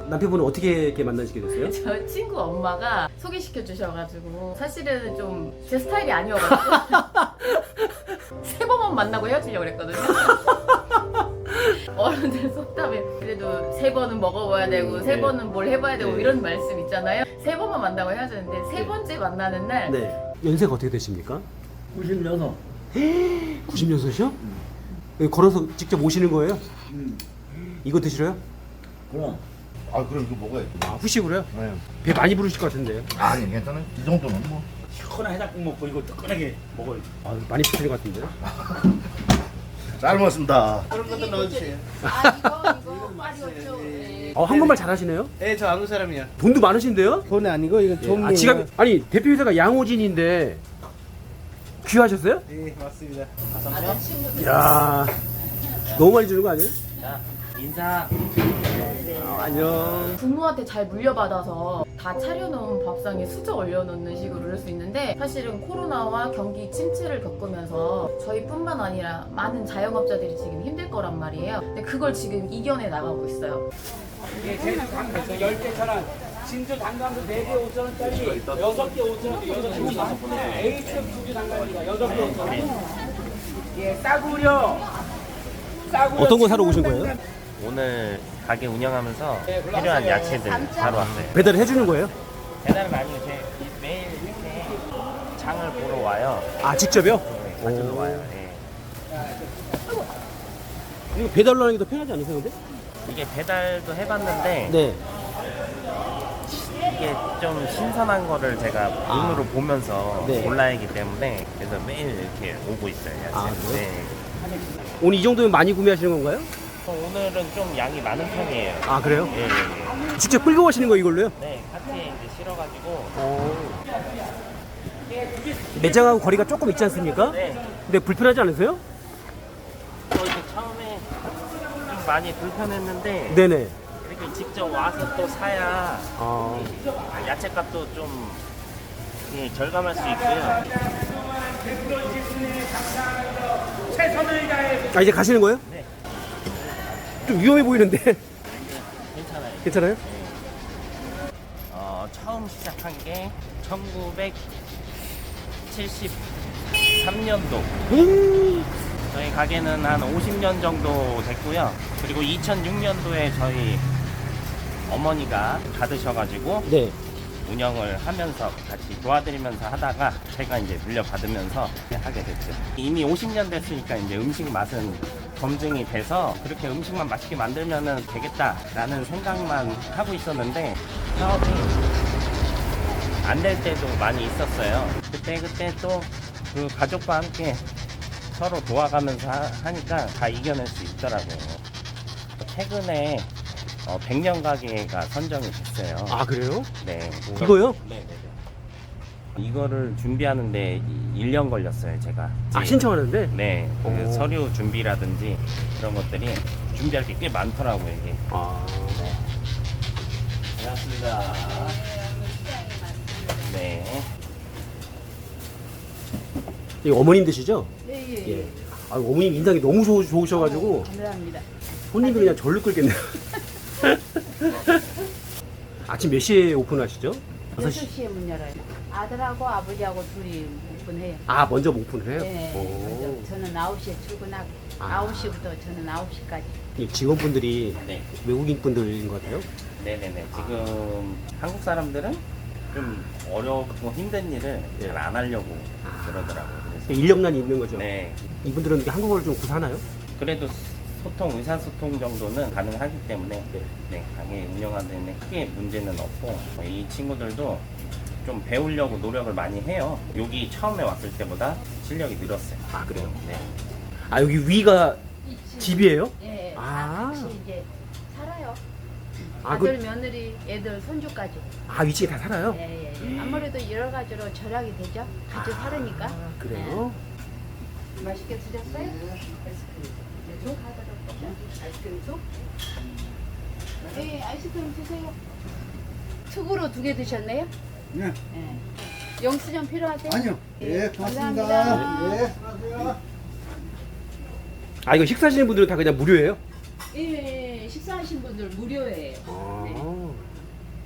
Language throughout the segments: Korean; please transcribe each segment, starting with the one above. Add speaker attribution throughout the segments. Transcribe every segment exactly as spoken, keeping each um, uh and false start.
Speaker 1: 남편분은 어떻게 이렇게 만나시게 됐어요?
Speaker 2: 저 친구 엄마가 소개시켜 주셔가지고 사실은 좀 제 스타일이 아니어가지고 세 번만 만나고 헤어지려고 그랬거든요. 어른들 속담에 그래도 세 번은 먹어봐야 되고 세
Speaker 1: 네.
Speaker 2: 번은 뭘 해봐야 되고
Speaker 1: 네.
Speaker 2: 이런 말씀 있잖아요. 세 번만 만나고 헤어졌는데 세 번째 만나는 날
Speaker 1: 네. 연세가 어떻게 되십니까?
Speaker 3: 구십육.
Speaker 1: 구십육이요? 여기 걸어서 직접 오시는 거예요?
Speaker 3: 음.
Speaker 1: 이거 드시러요?
Speaker 3: 그럼.
Speaker 4: 아 그럼 이거 먹어야지.
Speaker 1: 아, 후식으로요?
Speaker 4: 네.
Speaker 1: 배 많이 부르실 것 같은데요?
Speaker 4: 아니 괜찮아요. 이 정도는 뭐.
Speaker 3: 시원한 해장국 먹고 이거 뜨끈하게 먹어요.
Speaker 1: 아, 많이 부르실 것 같은데요?
Speaker 4: 잘 먹었습니다.
Speaker 3: 그런 것도 넣어주세요.
Speaker 2: 아 이거 이거 파리오초.
Speaker 1: 어, 한국말 잘하시네요?
Speaker 3: 예, 저 한국 사람이야.
Speaker 1: 돈도 많으신데요?
Speaker 3: 돈 아니고 이거
Speaker 1: 예,
Speaker 3: 종류.
Speaker 1: 아, 지갑 아니 대표 회사가 양호진인데 귀하셨어요?
Speaker 3: 예, 맞습니다.
Speaker 2: 아는 친구들.
Speaker 1: 이야 너무 많이 주는 거 아니에요?
Speaker 5: 자, 인사.
Speaker 1: 아, 안녕.
Speaker 2: 부모한테 잘 물려받아서 다 차려놓은 밥상에 수저 올려놓는 식으로 그럴 수 있는데 사실은 코로나와 경기 침체를 겪으면서 저희뿐만 아니라 많은 자영업자들이 지금 힘들 거란 말이에요. 근데 그걸 지금 이겨내 나가고 있어요.
Speaker 6: 예, 제주 강가에서 열 개 천 원, 진주 단감도 네 개 오천 원짜리, 여섯 개 오천 원, 여섯 개 오천 원. A급 두개 단감입니다. 여섯 개 오천 원. 예, 싸구려. 싸구려.
Speaker 1: 어떤 거 사러 오신 거예요?
Speaker 5: 오늘 가게 운영하면서 필요한 야채들 사러 왔어요.
Speaker 1: 배달을 해주는 거예요?
Speaker 5: 배달은 아니고 제 매일 이렇게 장을 보러 와요.
Speaker 1: 아 직접요?
Speaker 5: 네, 가지러
Speaker 1: 오.
Speaker 5: 와요. 예.
Speaker 1: 이거 배달로 하는 게 더 편하지 않으세요 근데?
Speaker 5: 이게 배달도 해봤는데
Speaker 1: 네.
Speaker 5: 이게 좀 신선한 거를 제가 눈으로 보면서
Speaker 1: 네.
Speaker 5: 골라야 하기 때문에 그래서 매일 이렇게 오고 있어요. 야채.
Speaker 1: 아, 그래요?
Speaker 5: 네.
Speaker 1: 오늘 이 정도면 많이 구매하시는 건가요?
Speaker 5: 어, 오늘은 좀 양이 많은 편이에요.
Speaker 1: 아 그래요?
Speaker 5: 예, 예, 예.
Speaker 1: 직접 끌고 가시는 거 이걸로요?
Speaker 5: 네, 카트에 이제 실어가지고.
Speaker 1: 매장하고 거리가 조금 있지 않습니까?
Speaker 5: 네.
Speaker 1: 근데 불편하지 않으세요?
Speaker 5: 저 이제 처음에 좀 많이 불편했는데
Speaker 1: 네네.
Speaker 5: 이렇게 직접 와서 또 사야
Speaker 1: 아,
Speaker 5: 야채값도 좀 예, 절감할 수 있고요.
Speaker 1: 아 이제 가시는 거예요?
Speaker 5: 네.
Speaker 1: 좀 위험해 보이는데
Speaker 5: 괜찮아요.
Speaker 1: 괜찮아요?
Speaker 5: 어, 처음 시작한 게 천구백칠십삼 년도.
Speaker 1: 음.
Speaker 5: 저희 가게는 한 오십 년 정도 됐고요. 그리고 이천육 년도에 저희 어머니가 받으셔가지고
Speaker 1: 네.
Speaker 5: 운영을 하면서 같이 도와드리면서 하다가 제가 이제 물려받으면서 하게 됐죠. 이미 오십 년 됐으니까 이제 음식 맛은 검증이 돼서 그렇게 음식만 맛있게 만들면 되겠다라는 생각만 하고 있었는데 사업이 안 될 때도 많이 있었어요. 그때 그때 또 그 가족과 함께 서로 도와가면서 하, 하니까 다 이겨낼 수 있더라고요. 최근에 어, 백 년 가게가 선정이 됐어요.
Speaker 1: 아 그래요?
Speaker 5: 네.
Speaker 1: 이거요?
Speaker 5: 네네네. 이거를 준비하는데 일 년 걸렸어요, 제가.
Speaker 1: 아 신청하는데?
Speaker 5: 네. 그
Speaker 1: 오.
Speaker 5: 서류 준비라든지 그런 것들이 준비할 게 꽤 많더라고요, 이게.
Speaker 1: 아.
Speaker 5: 반갑습니다. 네.
Speaker 1: 이거 어머님 드시죠?
Speaker 2: 네, 예,
Speaker 1: 예. 아 어머님 인상이 너무 좋, 좋으셔가지고
Speaker 2: 감사합니다.
Speaker 1: 손님이 그냥 절로 끌겠네요. 아침 몇 시에 오픈하시죠?
Speaker 7: 여섯 시에 문 열어요. 아들하고 아버지하고 둘이 오픈해요.
Speaker 1: 아 먼저 오픈을 해요?
Speaker 7: 네.
Speaker 1: 오.
Speaker 7: 먼저 저는 아홉 시에 출근하고
Speaker 1: 아.
Speaker 7: 아홉 시부터 저는 아홉 시까지.
Speaker 1: 이 직원분들이
Speaker 5: 네.
Speaker 1: 외국인 분들인 것 같아요?
Speaker 5: 네네네. 지금 한국 사람들은 좀 어렵고 힘든 일을
Speaker 1: 네.
Speaker 5: 잘 안 하려고
Speaker 1: 아.
Speaker 5: 그러더라고요. 그래서
Speaker 1: 인력난이 있는 거죠?
Speaker 5: 네.
Speaker 1: 이분들은 한국어를 좀 구사하나요?
Speaker 5: 그래도 소통, 의사소통 정도는 가능하기 때문에
Speaker 1: 네.
Speaker 5: 네, 가게 운영하는 데 크게 문제는 없고 이 친구들도 좀 배우려고 노력을 많이 해요. 여기 처음에 왔을 때보다 실력이 늘었어요.
Speaker 1: 아 그래요?
Speaker 5: 네.
Speaker 1: 아 여기 위가 집이에요?
Speaker 7: 예,
Speaker 1: 아.
Speaker 7: 다 같이 이제 살아요.
Speaker 1: 아,
Speaker 7: 아들,
Speaker 1: 그-
Speaker 7: 며느리, 애들, 손주까지.
Speaker 1: 아 위치에 다 살아요?
Speaker 7: 예, 예, 예. 아무래도 여러 가지로 절약이 되죠. 같이 살으니까.
Speaker 1: 아, 그래요?
Speaker 7: 예. 맛있게 드셨어요? 쭉 하도록 아이스크림 쭉? 네, 아이스크림 드세요. 특으로 두 개 드셨네요?
Speaker 3: 네.
Speaker 7: 예. 영수증 필요하세요?
Speaker 3: 아니요.
Speaker 7: 예,
Speaker 3: 예, 고맙습니다.
Speaker 7: 감사합니다.
Speaker 3: 예, 수고하세요.
Speaker 1: 아 이거 식사하시는 분들은 다 그냥 무료예요?
Speaker 7: 예, 예, 식사하신 분들 무료예요.
Speaker 1: 아.
Speaker 7: 네.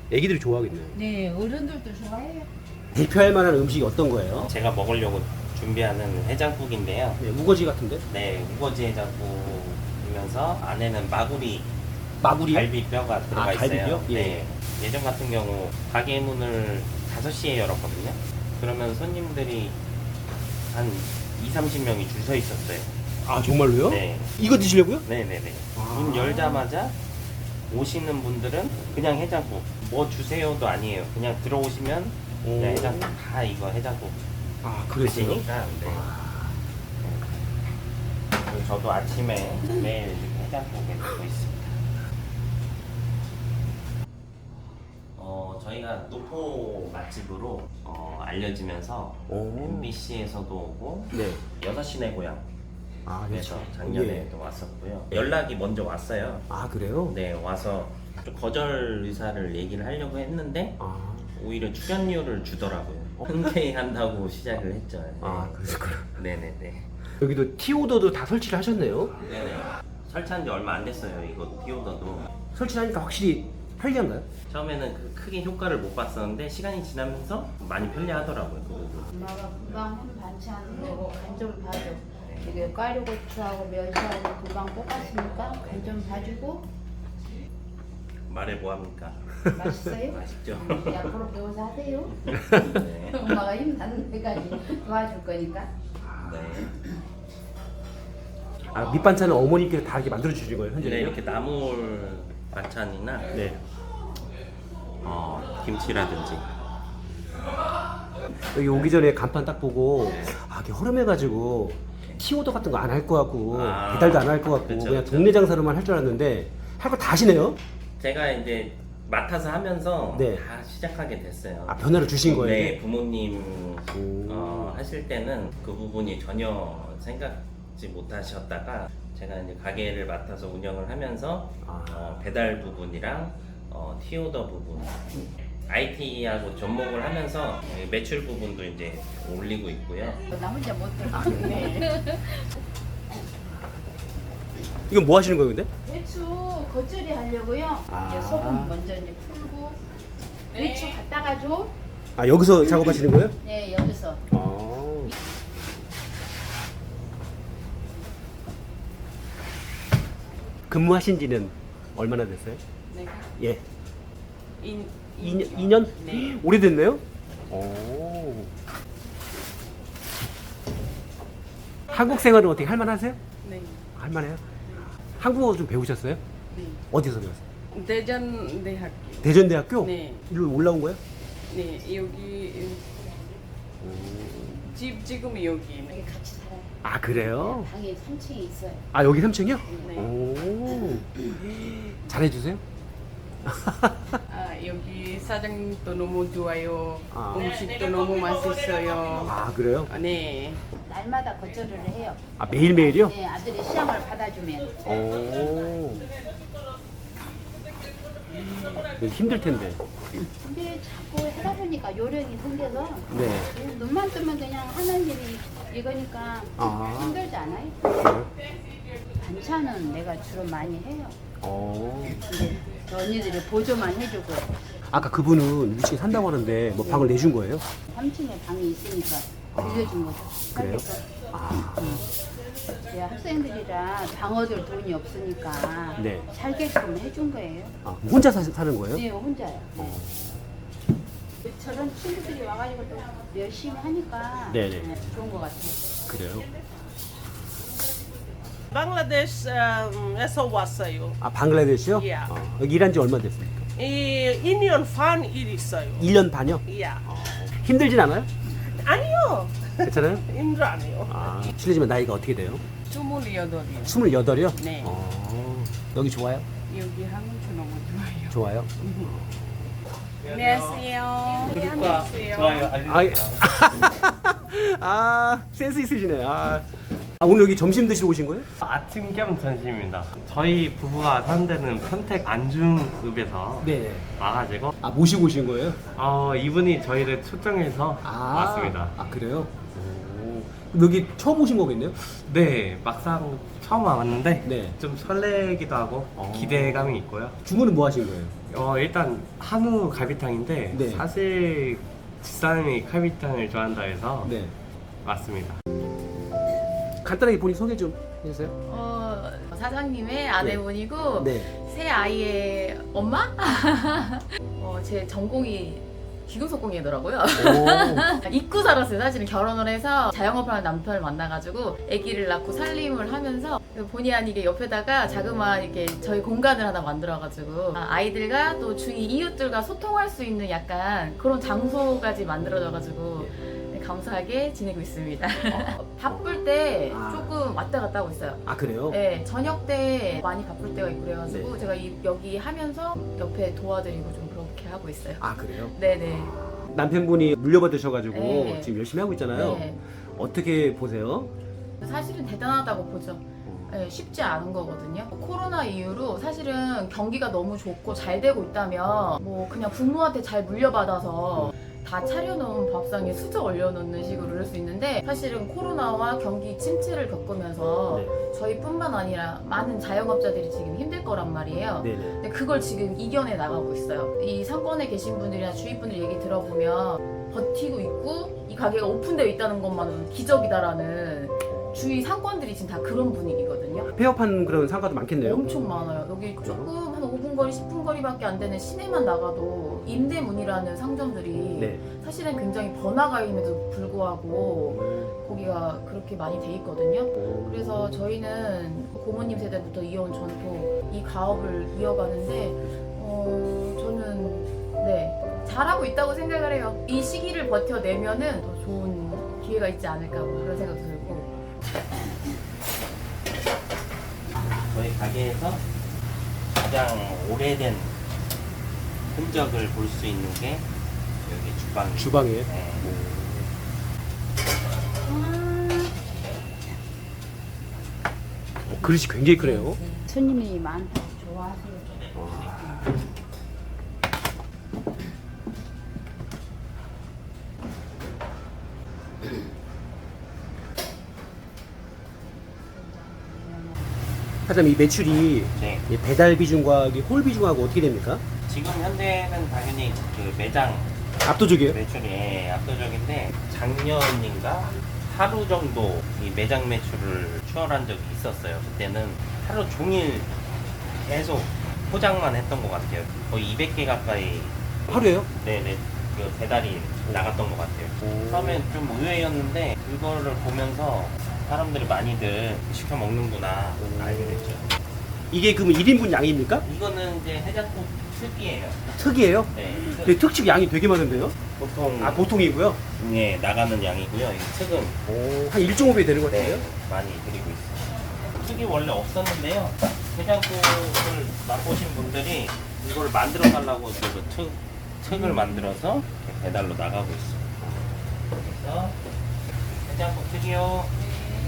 Speaker 1: 애기들이 좋아하겠네요.
Speaker 7: 네, 어른들도 좋아해요.
Speaker 1: 대표할 만한 음식이 어떤 거예요?
Speaker 5: 제가 먹으려고 준비하는 해장국인데요.
Speaker 1: 네, 우거지 같은데?
Speaker 5: 네, 우거지 해장국이면서 안에는 마구리
Speaker 1: 마구리요?
Speaker 5: 갈비뼈가 들어가
Speaker 1: 아,
Speaker 5: 있어요.
Speaker 1: 갈비뼈? 예.
Speaker 5: 네. 예전 같은 경우 가게 문을 다섯 시에 열었거든요. 그러면 손님들이 한 이, 삼십 명이 줄 서 있었어요.
Speaker 1: 아, 정말로요?
Speaker 5: 네.
Speaker 1: 이거 드시려고요?
Speaker 5: 네네네.
Speaker 1: 아.
Speaker 5: 문 열자마자 오시는 분들은 그냥 해장국 뭐 주세요도 아니에요. 그냥 들어오시면 그냥
Speaker 1: 오.
Speaker 5: 해장국 다 이거 해장국
Speaker 1: 아, 그랬어요?
Speaker 5: 드시니까. 네. 그리고 저도 아침에 매일 해장국에 넣고 있습니다. 어, 저희가 노포 맛집으로 어, 알려지면서
Speaker 1: 오.
Speaker 5: 엠비씨에서도 오고
Speaker 1: 네.
Speaker 5: 여섯 시내 고향
Speaker 1: 아,
Speaker 5: 그래서
Speaker 1: 그렇죠.
Speaker 5: 작년에도
Speaker 1: 예.
Speaker 5: 왔었고요. 연락이 먼저 왔어요.
Speaker 1: 아, 그래요?
Speaker 5: 네, 와서 좀 거절 의사를 얘기를 하려고 했는데
Speaker 1: 아,
Speaker 5: 오히려 출연료를 주더라고요. 흔쾌히 한다고 시작을 했죠. 네.
Speaker 1: 아, 그랬구나.
Speaker 5: 네네네.
Speaker 1: 여기도 티오더도 다 설치를 하셨네요.
Speaker 5: 네네. 설치한 지 얼마 안 됐어요. 이거 티오더도.
Speaker 1: 설치하니까 확실히 편리한가요?
Speaker 5: 처음에는 그 크게 효과를 못 봤었는데 시간이 지나면서 많이 편리하더라고요. 그 부분.
Speaker 7: 엄마가 금방 한 반찬 내고 간 좀 봐줘. 이게 꽈리고추하고 멸치하고 금방 볶았으니까 간 좀 봐주고.
Speaker 5: 말해 뭐합니까?
Speaker 7: 맛있어요?
Speaker 5: 맛있죠?
Speaker 7: 음, 앞으로 배워서 하세요.
Speaker 5: 네.
Speaker 7: 엄마가 힘나는 데까지 도와줄 거니까.
Speaker 5: 네.
Speaker 1: 아, 밑반찬은 어머니께서 다 이렇게 만들어 주시는 거예요, 현재?
Speaker 5: 네, 이렇게 나물 반찬이나
Speaker 1: 네.
Speaker 5: 어, 김치라든지
Speaker 1: 여기 오기 전에 간판 딱 보고 아, 이게 허름해가지고 티오더 같은 거 안 할 것 같고
Speaker 5: 아,
Speaker 1: 배달도 안 할 것 같고
Speaker 5: 그쵸,
Speaker 1: 그냥
Speaker 5: 그쵸.
Speaker 1: 동네 장사로만 할 줄 알았는데 할 거 다 하시네요?
Speaker 5: 제가 이제 맡아서 하면서
Speaker 1: 네.
Speaker 5: 다 시작하게 됐어요.
Speaker 1: 아, 변화를 주신 거예요?
Speaker 5: 네, 부모님
Speaker 1: 오.
Speaker 5: 어, 하실 때는 그 부분이 전혀 생각지 못하셨다가 제가 이제 가게를 맡아서 운영을 하면서
Speaker 1: 아.
Speaker 5: 어, 배달 부분이랑 어, 티오더 부분, 아이티하고 접목을 하면서 매출 부분도 이제 올리고 있고요.
Speaker 7: 나 혼자 못
Speaker 1: 아,
Speaker 7: 들어. 네.
Speaker 1: 이건 뭐 하시는 거예요, 근데?
Speaker 7: 배추 겉절이 하려고요.
Speaker 1: 아.
Speaker 7: 이제 소금 먼저 이제 풀고 배추 갖다가 줘.
Speaker 1: 아, 여기서 작업하시는 거예요?
Speaker 7: 네, 여기서.
Speaker 1: 아. 근무하신 지는 얼마나 됐어요?
Speaker 8: 네.
Speaker 1: 예.
Speaker 8: 인,
Speaker 1: 이 년? 이 년?
Speaker 8: 네.
Speaker 1: 오래됐네요? 오. 한국 생활은 어떻게 할만하세요?
Speaker 8: 네.
Speaker 1: 할만해요? 한국어 좀 배우셨어요?
Speaker 8: 네.
Speaker 1: 어디서 배웠어요?
Speaker 8: 대전 대학교.
Speaker 1: 대전대학교?
Speaker 8: 네.
Speaker 1: 일로 올라온 거예요?
Speaker 8: 네, 여기 집 지금 여기.
Speaker 7: 여기 같이 살아요.
Speaker 1: 아, 그래요?
Speaker 7: 방에 삼 층에 있어요.
Speaker 1: 아, 여기 삼 층이요?
Speaker 8: 네.
Speaker 1: 오. 잘해주세요?
Speaker 8: 아, 여기 사장님도 너무 좋아요.
Speaker 1: 아.
Speaker 8: 음식도 너무 맛있어요.
Speaker 1: 아, 그래요?
Speaker 8: 아, 네.
Speaker 7: 날마다 겉절이를 해요.
Speaker 1: 아, 매일매일이요?
Speaker 7: 네, 아들이 시험을 받아주면.
Speaker 1: 오. 이거 힘들 텐데.
Speaker 7: 근데 자꾸 해다 보니까 요령이 생겨서
Speaker 1: 네.
Speaker 7: 눈만 뜨면 그냥 하는 일이 이거니까
Speaker 1: 아.
Speaker 7: 힘들지 않아요?
Speaker 1: 그래요?
Speaker 7: 반찬은 내가 주로 많이 해요.
Speaker 1: 어.
Speaker 7: 근데 언니들이 보조만 해주고
Speaker 1: 아까 그분은 위층에 산다고 하는데 뭐 방을 내준 거예요?
Speaker 7: 삼 층에 방이 있으니까 빌려준 거죠.
Speaker 1: 그래요?
Speaker 7: 살겠어.
Speaker 1: 아.
Speaker 7: 제 학생들이라 방 얻을 돈이 없으니까
Speaker 1: 네.
Speaker 7: 살게끔 해준 거예요.
Speaker 1: 아, 혼자 사, 사는 거예요?
Speaker 7: 네, 혼자요.
Speaker 1: 어.
Speaker 7: 저런 친구들이 와가지고 또 열심히 하니까
Speaker 1: 네네.
Speaker 7: 네, 좋은 것 같아요.
Speaker 1: 그래요?
Speaker 9: 방글라데시에서 왔어요.
Speaker 1: 아, 방글라데시요?
Speaker 9: 예.
Speaker 1: 어, 여기 일한 지 얼마 됐습니까?
Speaker 9: 이 이 년 반 일 있어요.
Speaker 1: 일 년 반이요?
Speaker 9: 예.
Speaker 1: 힘들진 않아요?
Speaker 9: 아니요.
Speaker 1: 괜찮아요?
Speaker 9: 힘들어 안 해요.
Speaker 1: 아, 실례지만 나이가 어떻게 돼요?
Speaker 8: 스물여덟이요.
Speaker 1: 스물여덟이요?
Speaker 8: 네.
Speaker 1: 어, 여기 좋아요?
Speaker 8: 여기 한국 너무 좋아요.
Speaker 1: 좋아요?
Speaker 8: 안녕하세요. 안녕하세요.
Speaker 1: 아, 아, 센스 있으시네. 아. 아, 오늘 여기 점심 드시러 오신 거예요?
Speaker 5: 아침 겸 점심입니다. 저희 부부가 사는 데는 평택 안중읍에서
Speaker 1: 네.
Speaker 5: 와가지고
Speaker 1: 아, 모시고 오신 거예요?
Speaker 5: 어, 이분이 저희를 초청해서
Speaker 1: 아,
Speaker 5: 왔습니다.
Speaker 1: 아, 그래요? 오. 여기 처음 오신 거겠네요?
Speaker 5: 네, 막상 처음 와봤는데
Speaker 1: 네.
Speaker 5: 좀 설레기도 하고 기대감이 있고요.
Speaker 1: 주문은 뭐 하신 거예요?
Speaker 5: 어, 일단 한우 갈비탕인데
Speaker 1: 네.
Speaker 5: 사실 집사람이 갈비탕을 좋아한다 해서
Speaker 1: 네.
Speaker 5: 왔습니다.
Speaker 1: 간단하게 본인 소개 좀 해주세요.
Speaker 2: 어, 사장님의 아내분이고
Speaker 1: 네.
Speaker 2: 새 아이의 엄마? 어, 제 전공이 기금속공이더라고요. 잊고 살았어요. 사실은 결혼을 해서 자영업을 하는 남편을 만나가지고 아기를 낳고 살림을 하면서 본의 아니게 옆에다가 자그마한 이렇게 저희 공간을 하나 만들어가지고 아이들과 또 주위 이웃들과 소통할 수 있는 약간 그런 장소까지 만들어져가지고 감사하게 지내고 있습니다. 바쁠 때
Speaker 1: 아.
Speaker 2: 조금 왔다 갔다 하고 있어요.
Speaker 1: 아 그래요?
Speaker 2: 네, 저녁 때 많이 바쁠 때가 있고 그래가지고
Speaker 1: 네.
Speaker 2: 제가 이, 여기 하면서 옆에 도와드리고 좀 그렇게 하고 있어요.
Speaker 1: 아 그래요?
Speaker 2: 네네.
Speaker 1: 남편분이 물려받으셔가지고
Speaker 2: 네.
Speaker 1: 지금 열심히 하고 있잖아요.
Speaker 2: 네.
Speaker 1: 어떻게 보세요?
Speaker 2: 사실은 대단하다고 보죠. 네, 쉽지 않은 거거든요. 코로나 이후로 사실은 경기가 너무 좋고 잘 되고 있다면 뭐 그냥 부모한테 잘 물려받아서 다 차려놓은 밥상에 수저 올려놓는 식으로 이럴 수 있는데 사실은 코로나와 경기 침체를 겪으면서
Speaker 1: 네.
Speaker 2: 저희뿐만 아니라 많은 자영업자들이 지금 힘들 거란 말이에요.
Speaker 1: 네네.
Speaker 2: 근데 그걸 지금 이겨내 나가고 있어요. 이 상권에 계신 분들이나 주위 분들 얘기 들어보면 버티고 있고 이 가게가 오픈되어 있다는 것만으로 기적이다라는 주위 상권들이 지금 다 그런 분위기거든요.
Speaker 1: 폐업한 그런 상가도 많겠네요.
Speaker 2: 엄청 많아요. 여기 조금 한 오 분 거리, 십 분 거리밖에 안 되는 시내만 나가도 임대문이라는 상점들이
Speaker 1: 네.
Speaker 2: 사실은 굉장히 번화가 임에도 불구하고 거기가 그렇게 많이 돼 있거든요. 그래서 저희는 고모님 세대부터 이어온 전통 이 가업을 이어가는데 어, 저는 네 잘하고 있다고 생각을 해요. 이 시기를 버텨내면은 더 좋은 기회가 있지 않을까 뭐 그런 생각도 들고.
Speaker 5: 저희 가게에서 가장 오래된 흔적을 볼 수 있는 게 여기 주방입니다.
Speaker 1: 주방에.
Speaker 5: 네.
Speaker 1: 어, 그릇이 굉장히 크네요.
Speaker 7: 손님이 많다고 좋아하세요.
Speaker 1: 사장님 이 매출이
Speaker 5: 네.
Speaker 1: 이 배달 비중과 이 홀 비중하고 어떻게 됩니까?
Speaker 5: 지금 현재는 당연히 그 매장
Speaker 1: 압도적이에요?
Speaker 5: 매출이 예, 압도적인데 작년인가 하루 정도 이 매장 매출을 추월한 적이 있었어요. 그때는 하루 종일 계속 포장만 했던 것 같아요. 거의 이백 개 가까이
Speaker 1: 하루에요?
Speaker 5: 네네 그 배달이 나갔던 것 같아요. 처음엔 좀 의외였는데 그거를 보면서 사람들이 많이들 시켜 먹는구나 알게 됐죠.
Speaker 1: 이게 그럼 일 인분 양입니까?
Speaker 5: 이거는 이제 해장국 특이에요.
Speaker 1: 특이에요?
Speaker 5: 네.
Speaker 1: 근데 특식 양이 되게 많은데요?
Speaker 5: 보통
Speaker 1: 아 보통이고요?
Speaker 5: 예, 나가는 양이고요. 이 특은
Speaker 1: 오, 한 일 점 오 배 되는 것 같아요?
Speaker 5: 네, 많이 드리고 있어요. 특이 원래 없었는데요. 해장국을 맛보신 분들이 이걸 만들어 달라고 그래서 특, 특을 만들어서 이렇게 배달로 나가고 있어요. 그래서 해장국 특이요.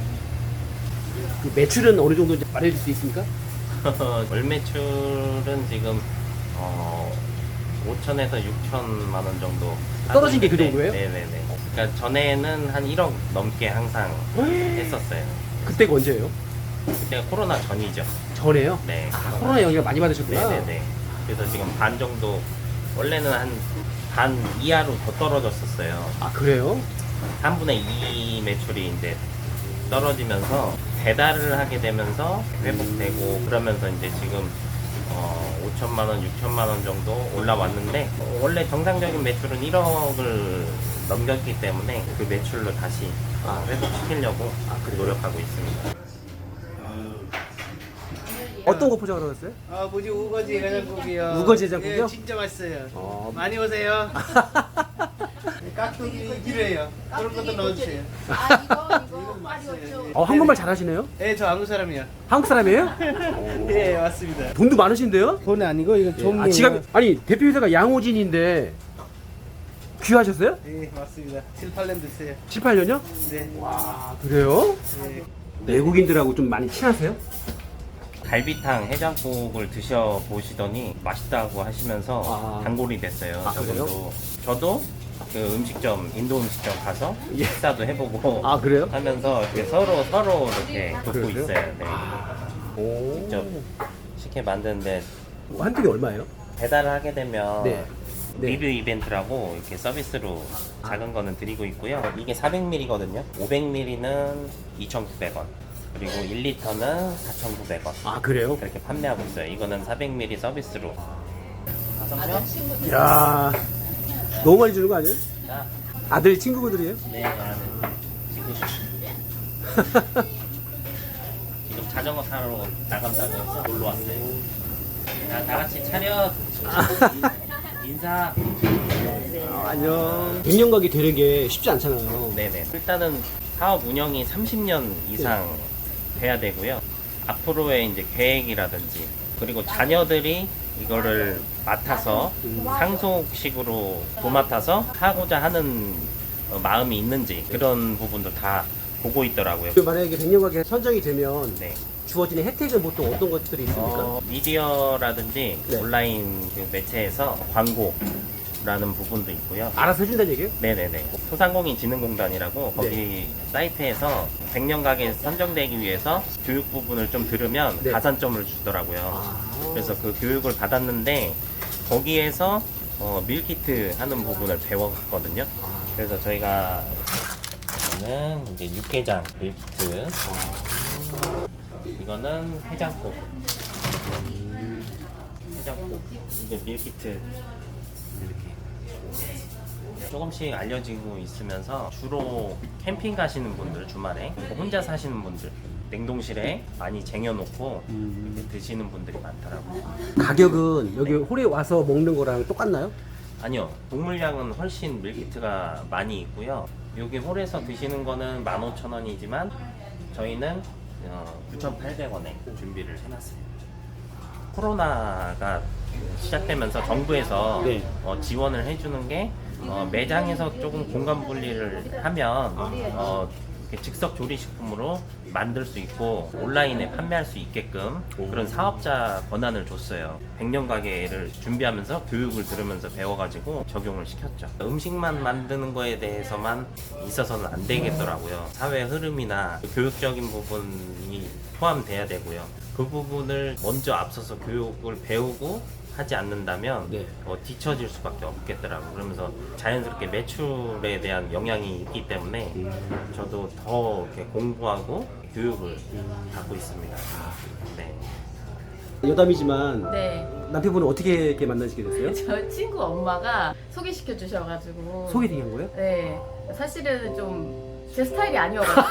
Speaker 1: 그 매출은 어느 정도 이제 말해줄 수 있습니까?
Speaker 5: 월 매출은 지금 어, 오천에서 육천만 원 정도
Speaker 1: 떨어진 게 그
Speaker 5: 하고
Speaker 1: 정도예요?
Speaker 5: 있는데, 네네네. 그러니까 전에는 한 일억 넘게 항상 했었어요.
Speaker 1: 그때가 언제예요?
Speaker 5: 그때가 코로나 전이죠.
Speaker 1: 전에요?
Speaker 5: 네.
Speaker 1: 아 코로나 영향 많이 받으셨구나.
Speaker 5: 네네네. 그래서 지금 반 정도 원래는 한 반 이하로 더 떨어졌었어요.
Speaker 1: 아 그래요?
Speaker 5: 삼분의 이 매출이 이제 떨어지면서 배달을 하게 되면서 회복되고 그러면서 이제 지금 어, 오천만 원, 육천만 원 정도 올라왔는데 어, 원래 정상적인 매출은 일억을 넘겼기 때문에 그 매출로 다시 어, 회복시키려고 노력하고 있습니다.
Speaker 1: 어떤 거 포장하러 갔어요?
Speaker 3: 아 뭐지 우거지 해장국이요.
Speaker 1: 우거지 해장국이요?
Speaker 3: 예, 진짜 맛있어요.
Speaker 1: 어.
Speaker 3: 많이 오세요. 깍두기 기래요. 그런 것도 넣어주세요.
Speaker 7: 아 이거 이거
Speaker 3: 맛있어요.
Speaker 1: 어 한국말 잘하시네요?
Speaker 3: 네, 저 한국 사람이요.
Speaker 1: 한국 사람이에요?
Speaker 3: 예, 맞습니다.
Speaker 1: 돈도 많으신데요?
Speaker 3: 돈 아니고 이거 종이에요.
Speaker 1: 아, 지갑 아니 대표 회사가 양호진인데 귀하셨어요?
Speaker 3: 예, 맞습니다. 칠, 팔 년 됐어요.
Speaker 1: 칠, 팔 년요?
Speaker 3: 네.
Speaker 1: 와 그래요?
Speaker 3: 네.
Speaker 1: 외국인들하고 좀 많이 친하세요?
Speaker 5: 갈비탕 해장국을 드셔보시더니 맛있다고 하시면서
Speaker 1: 아.
Speaker 5: 단골이 됐어요.
Speaker 1: 아,
Speaker 5: 저분도. 저도 그 음식점, 인도 음식점 가서 식사도 해보고
Speaker 1: 아 그래요?
Speaker 5: 하면서 이렇게 서로 서로 이렇게 돕고
Speaker 1: 그러세요?
Speaker 5: 있어요. 네.
Speaker 1: 오.
Speaker 5: 직접 식혜 만드는데
Speaker 1: 한 통이 얼마예요?
Speaker 5: 배달을 하게 되면
Speaker 1: 네. 네.
Speaker 5: 리뷰 이벤트라고 이렇게 서비스로 작은 거는 드리고 있고요. 이게 사백 밀리리터거든요. 오백 밀리리터는 이천구백 원. 그리고 일 리터는 사천구백 원.
Speaker 1: 아 그래요?
Speaker 5: 그렇게 판매하고 있어요. 이거는 사백 밀리리터 서비스로.
Speaker 1: 야 너무 많이 주는 거 아니에요?
Speaker 5: 자,
Speaker 1: 아들 친구분들이에요?
Speaker 5: 네, 아, 네. 지금 지금 자전거 타러 나간다고 해서 놀러 왔어요. 자, 다 같이 차렷. 인사.
Speaker 1: 아, 안녕. 백 년 가게 되는 게 쉽지 않잖아요.
Speaker 5: 네네. 일단은 사업 운영이 삼십 년 이상 돼야 되고요. 앞으로의 이제 계획이라든지 그리고 자녀들이 이거를 맡아서 상속식으로 도맡아서 하고자 하는 어, 마음이 있는지 그런 부분도 다 보고 있더라고요.
Speaker 1: 만약에 백 년 가게 선정이 되면
Speaker 5: 네.
Speaker 1: 주어지는 혜택은 보통 어떤 것들이 있습니까?
Speaker 5: 어, 미디어라든지
Speaker 1: 네.
Speaker 5: 온라인 그 매체에서 광고라는 부분도 있고요.
Speaker 1: 알아서 해준다는 얘기예요?
Speaker 5: 네네네. 소상공인진흥공단이라고 거기
Speaker 1: 네.
Speaker 5: 사이트에서 백 년 가게 선정되기 위해서 교육 부분을 좀 들으면
Speaker 1: 네.
Speaker 5: 가산점을 주더라고요.
Speaker 1: 아.
Speaker 5: 그래서 그 교육을 받았는데 거기에서 어, 밀키트 하는 부분을 배웠거든요. 그래서 저희가 이거는 이제 육개장 밀키트, 이거는 해장국, 해장국, 이게 밀키트 이렇게 조금씩 알려지고 있으면서 주로 캠핑 가시는 분들 주말에 그리고 혼자 사시는 분들 냉동실에 많이 쟁여놓고 이렇게 드시는 분들이 많더라고요.
Speaker 1: 가격은 여기 홀에 와서 먹는 거랑 똑같나요?
Speaker 5: 아니요, 동물량은 훨씬 밀키트가 많이 있고요. 여기 홀에서 드시는 거는 만 오천 원이지만 저희는 어, 구천팔백 원에 준비를 해놨어요. 코로나가 시작되면서 정부에서
Speaker 1: 네.
Speaker 5: 어, 지원을 해주는 게 어, 매장에서 조금 공간 분리를 하면 어, 이렇게 즉석 조리식품으로 만들 수 있고 온라인에 판매할 수 있게끔 그런 사업자 권한을 줬어요. 백 년 가게를 준비하면서 교육을 들으면서 배워가지고 적용을 시켰죠. 음식만 만드는 거에 대해서만 있어서는 안 되겠더라고요. 사회 흐름이나 교육적인 부분이 포함돼야 되고요. 그 부분을 먼저 앞서서 교육을 배우고 하지 않는다면
Speaker 1: 네.
Speaker 5: 어, 뒤처질 수밖에 없겠더라고요. 그러면서 자연스럽게 매출에 대한 영향이 있기 때문에 저도 더 이렇게 공부하고 교육을 받고 있습니다. 네.
Speaker 1: 여담이지만
Speaker 2: 네.
Speaker 1: 남편분은 어떻게 이렇게 만나시게 됐어요?
Speaker 2: 저 친구 엄마가 소개시켜 주셔가지고.
Speaker 1: 소개팅 거예요?
Speaker 2: 네. 사실은 좀 제 스타일이 아니어가지고.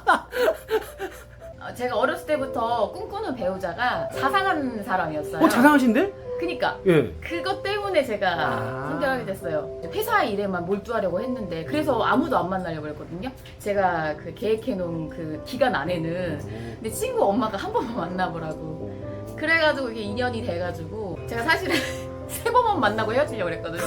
Speaker 2: 어, 제가 어렸을 때부터 꿈꾸는 배우자가 자상한 사람이었어요.
Speaker 1: 어 자상하신데?
Speaker 2: 그니까.
Speaker 1: 예.
Speaker 2: 그것 때문에 제가
Speaker 1: 아.
Speaker 2: 선택하게 됐어요. 회사 일에만 몰두하려고 했는데 그래서 아무도 안 만나려고 했거든요. 제가 그 계획해놓은 그 기간 안에는 근데 친구 엄마가 한 번만 만나보라고 그래가지고 이게 인연이 돼가지고 제가 사실은 세 번만 만나고 헤어지려고 그랬거든요.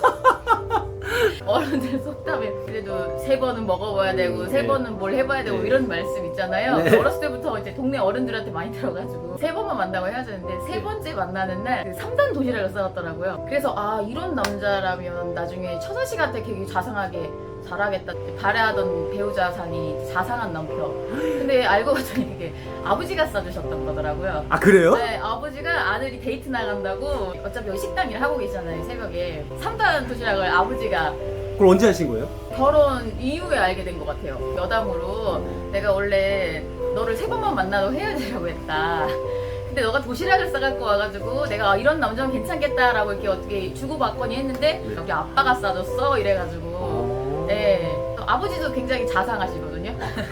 Speaker 2: 어른들 속담에 그래도 세 번은 먹어봐야 되고 세
Speaker 1: 네.
Speaker 2: 번은 뭘 해봐야 되고
Speaker 1: 네.
Speaker 2: 이런 말씀 있잖아요.
Speaker 1: 네.
Speaker 2: 어렸을 때부터 이제 동네 어른들한테 많이 들어가지고 세 번만 만나고 헤어졌는데 세 번째 만나는 날 그 삼 단 도시락을 싸왔더라고요. 그래서 아 이런 남자라면 나중에 처자식한테 되게 자상하게 잘하겠다. 바라던 배우자상이 자상한 남편. 근데 알고 봤더니 이게 아버지가 싸주셨던 거더라고요.
Speaker 1: 아 그래요?
Speaker 2: 네, 아버지가 아들이 데이트 나간다고 어차피 여기 식당 일 하고 계시잖아요, 새벽에. 삼 단 도시락을 아버지가
Speaker 1: 그걸 언제 하신 거예요?
Speaker 2: 결혼 이후에 알게 된 것 같아요. 여담으로 내가 원래 너를 세 번만 만나도 헤어지려고 했다. 근데 너가 도시락을 싸갖고 와가지고 내가 이런 남자는 괜찮겠다라고 이렇게 어떻게 주고받거니 했는데 여기 아빠가 싸줬어 이래가지고 네. 아버지도 굉장히 자상하시거든요.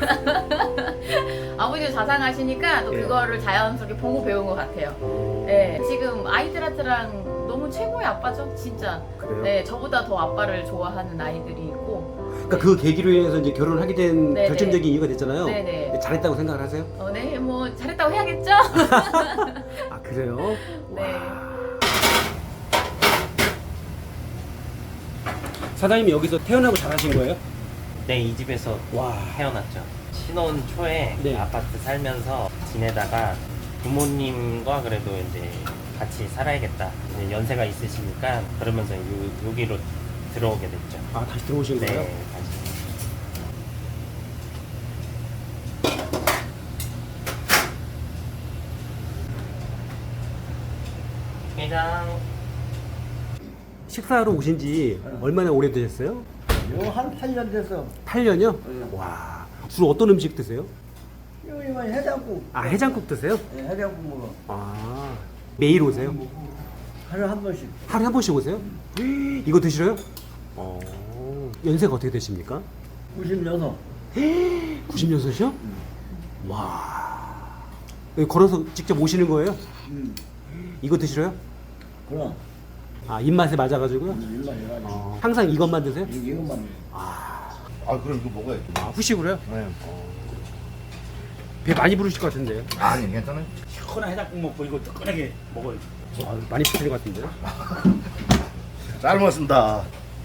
Speaker 2: 아버지도 자상하시니까 또
Speaker 1: 예.
Speaker 2: 그거를 자연스럽게 보고 배운 것 같아요. 네. 지금 아이들한테랑 너무 최고의 아빠죠, 진짜.
Speaker 1: 그래요?
Speaker 2: 네, 저보다 더 아빠를 좋아하는 아이들이 있고.
Speaker 1: 그러니까 그 계기로 인해서 이제 결혼을 하게 된
Speaker 2: 네네.
Speaker 1: 결정적인 이유가 됐잖아요.
Speaker 2: 네네.
Speaker 1: 잘했다고 생각을 하세요?
Speaker 2: 어, 네, 뭐 잘했다고 해야겠죠?
Speaker 1: 아 그래요?
Speaker 2: 네.
Speaker 1: 사장님이 여기서 태어나고 자라신 거예요?
Speaker 5: 네, 이 집에서
Speaker 1: 와.
Speaker 5: 태어났죠. 신혼 초에
Speaker 1: 네.
Speaker 5: 아파트 살면서 지내다가 부모님과 그래도 이제 같이 살아야겠다. 이제 연세가 있으시니까 그러면서 요, 여기로 들어오게 됐죠.
Speaker 1: 아 다시 들어오신 거예요?
Speaker 5: 네, 다시. 회장.
Speaker 1: 식사하러 오신 지 얼마나 오래되셨어요?
Speaker 10: 요한 팔 년 돼서
Speaker 1: 팔 년이요? 와 주로 어떤 음식 드세요?
Speaker 10: 요이만 해장국.
Speaker 1: 아 해장국 드세요?
Speaker 10: 네, 해장국 먹어.
Speaker 1: 아 매일 오세요?
Speaker 10: 하루에 한 번씩.
Speaker 1: 하루에 한 번씩 오세요? 이거 드시러요? 어 연세가 어떻게 되십니까?
Speaker 10: 구십육.
Speaker 1: 구십육이요? 와 여기 걸어서 직접 오시는 거예요?
Speaker 10: 음.
Speaker 1: 이거 드시러요?
Speaker 10: 그럼
Speaker 1: 아 입맛에 맞아가지고요?
Speaker 10: 일만 해가지고.
Speaker 1: 어, 항상 이것만 드세요?
Speaker 10: 이것만.
Speaker 1: 아,
Speaker 4: 아 그럼 이거 먹어야지.
Speaker 1: 아 후식으로요?
Speaker 4: 네.
Speaker 1: 배 많이 부르실 것 같은데요?
Speaker 4: 아니 괜찮아요.
Speaker 6: 시원한 해장국 먹고 이거 뜨끈하게 먹어요.
Speaker 1: 아, 많이 부르실 것 같은데요?
Speaker 4: 잘 먹었습니다.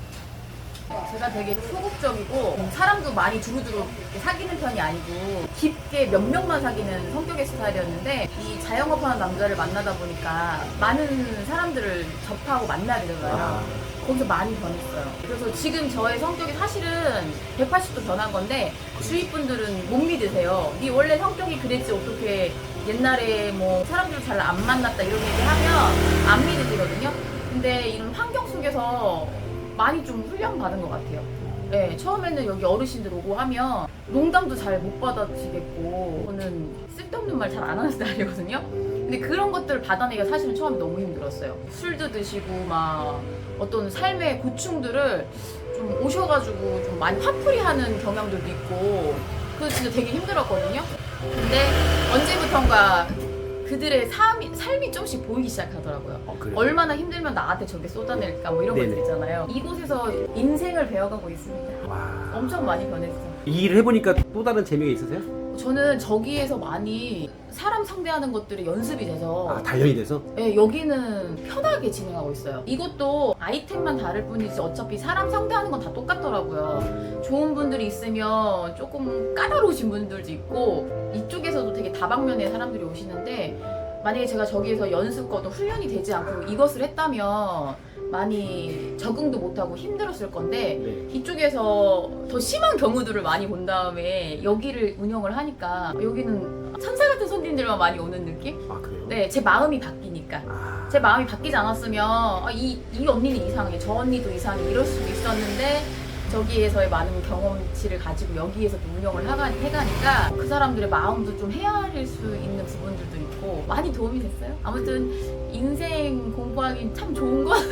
Speaker 2: 제가 되게 소극적이고 사람도 많이 두루두루 이렇게 사귀는 편이 아니고 깊게 몇 명만 사귀는 성격의 스타일이었는데 이 자영업하는 남자를 만나다 보니까 많은 사람들을 접하고 만나게 되잖아요. 거기서 많이 변했어요. 그래서 지금 저의 성격이 사실은 백팔십 도 변한 건데 주위 분들은 못 믿으세요. 네 원래 성격이 그랬지 어떻게 옛날에 뭐 사람들을 잘 안 만났다 이런 얘기 하면 안 믿으시거든요. 근데 이런 환경 속에서 많이 좀 훈련 받은 것 같아요. 네, 처음에는 여기 어르신들 오고 하면 농담도 잘 못 받아주시겠고 저는 쓸데없는 말 잘 안 하는 스타일이거든요. 근데 그런 것들을 받아내기가 사실은 처음에 너무 힘들었어요. 술도 드시고 막 어떤 삶의 고충들을 좀 오셔가지고 좀 많이 화풀이하는 경향들도 있고 그래서 진짜 되게 힘들었거든요. 근데 언제부턴가 그들의 삶이, 삶이 조금씩 보이기 시작하더라고요.
Speaker 1: 어, 그래요?
Speaker 2: 얼마나 힘들면 나한테 저게 쏟아낼까 뭐 이런
Speaker 1: 네네.
Speaker 2: 것들 있잖아요. 이곳에서 인생을 배워가고 있습니다.
Speaker 1: 와.
Speaker 2: 엄청 많이 변했어요.
Speaker 1: 이 일을 해보니까 또 다른 재미가 있으세요?
Speaker 2: 저는 저기에서 많이 사람 상대하는 것들이 연습이 돼서
Speaker 1: 아 단련이 돼서?
Speaker 2: 네, 여기는 편하게 진행하고 있어요. 이것도 아이템만 다를 뿐이지 어차피 사람 상대하는 건 다 똑같더라고요. 좋은 분들이 있으면 조금 까다로우신 분들도 있고 이쪽에서도 되게 다방면의 사람들이 오시는데 만약에 제가 저기에서 연습거든 훈련이 되지 않고 이것을 했다면 많이 적응도 못하고 힘들었을 건데
Speaker 1: 네.
Speaker 2: 이쪽에서 더 심한 경우들을 많이 본 다음에 여기를 운영을 하니까 여기는 천사 같은 손님들만 많이 오는 느낌?
Speaker 1: 아 그래요?
Speaker 2: 네, 제 마음이 바뀌니까.
Speaker 1: 아,
Speaker 2: 제 마음이 바뀌지 않았으면 아, 이, 이 언니는 이상해, 저 언니도 이상해 이럴 수도 있었는데 저기에서의 많은 경험치를 가지고 여기에서 또 운영을 하가, 해가니까 그 사람들의 마음도 좀 헤아릴 수 있는 부분들도 있고 많이 도움이 됐어요. 아무튼 인생 공부하기 참 좋은 건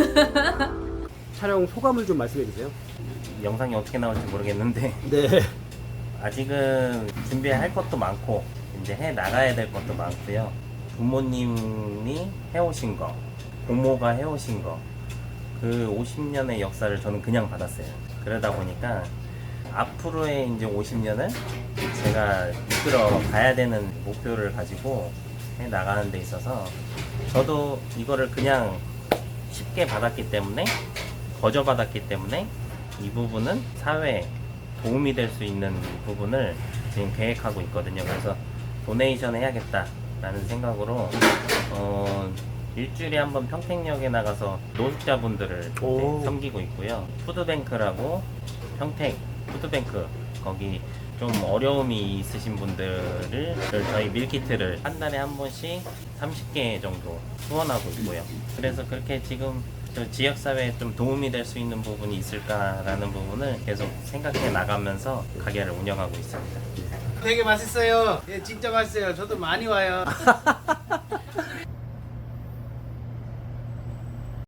Speaker 1: 촬영 소감을 좀 말씀해 주세요.
Speaker 5: 영상이 어떻게 나올지 모르겠는데
Speaker 1: 네.
Speaker 5: 아직은 준비할 것도 많고 이제 해 나가야 될 것도 많고요. 부모님이 해오신 거, 고모가 해오신 거, 그 오십 년의 역사를 저는 그냥 받았어요. 그러다 보니까 앞으로의 이제 오십 년을 제가 이끌어 가야 되는 목표를 가지고 해 나가는 데 있어서 저도 이거를 그냥 쉽게 받았기 때문에 거저 받았기 때문에 이 부분은 사회에 도움이 될 수 있는 부분을 지금 계획하고 있거든요. 그래서 도네이션 해야겠다라는 생각으로 어, 일주일에 한 번 평택역에 나가서 노숙자분들을
Speaker 1: 오.
Speaker 5: 네, 섬기고 있고요. 푸드뱅크라고 평택 푸드뱅크 거기 좀 어려움이 있으신 분들을 저희 밀키트를 한 달에 한 번씩 삼십 개 정도 후원하고 있고요. 그래서 그렇게 지금 저 지역사회에 좀 도움이 될 수 있는 부분이 있을까라는 부분을 계속 생각해 나가면서 가게를 운영하고 있습니다.
Speaker 3: 되게 맛있어요. 예, 진짜 맛있어요. 저도 많이 와요.